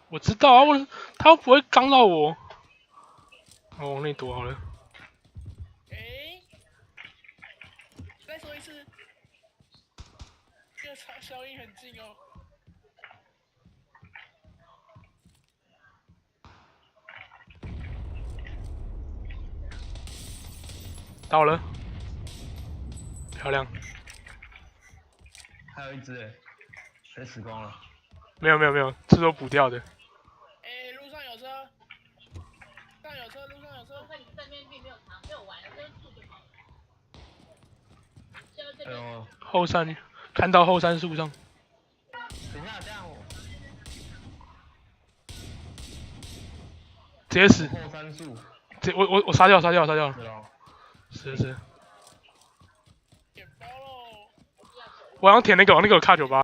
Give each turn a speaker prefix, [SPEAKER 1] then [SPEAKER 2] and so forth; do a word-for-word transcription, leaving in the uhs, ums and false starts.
[SPEAKER 1] 我知道啊，我他又不会刚到我。我往内躲好了。
[SPEAKER 2] 哎，再说一次，这个消消音很近哦。
[SPEAKER 1] 到了，漂亮。
[SPEAKER 3] 还有一只哎，被死光了。
[SPEAKER 1] 没有没有没有，这都补掉的。
[SPEAKER 2] 哎，路上有车，上有车，路上有车。
[SPEAKER 4] 在你这边并没有藏，没有玩，这边住就好了。
[SPEAKER 3] 哎呦，
[SPEAKER 1] 后山看到后山树上。
[SPEAKER 3] 等一下，这样我
[SPEAKER 1] 直接死。
[SPEAKER 3] 后山树。
[SPEAKER 1] 直我我我杀掉杀掉杀掉了。
[SPEAKER 3] 是哦。
[SPEAKER 1] 是是。
[SPEAKER 2] 捡包喽。
[SPEAKER 1] 我好像舔那个，那个有卡九八。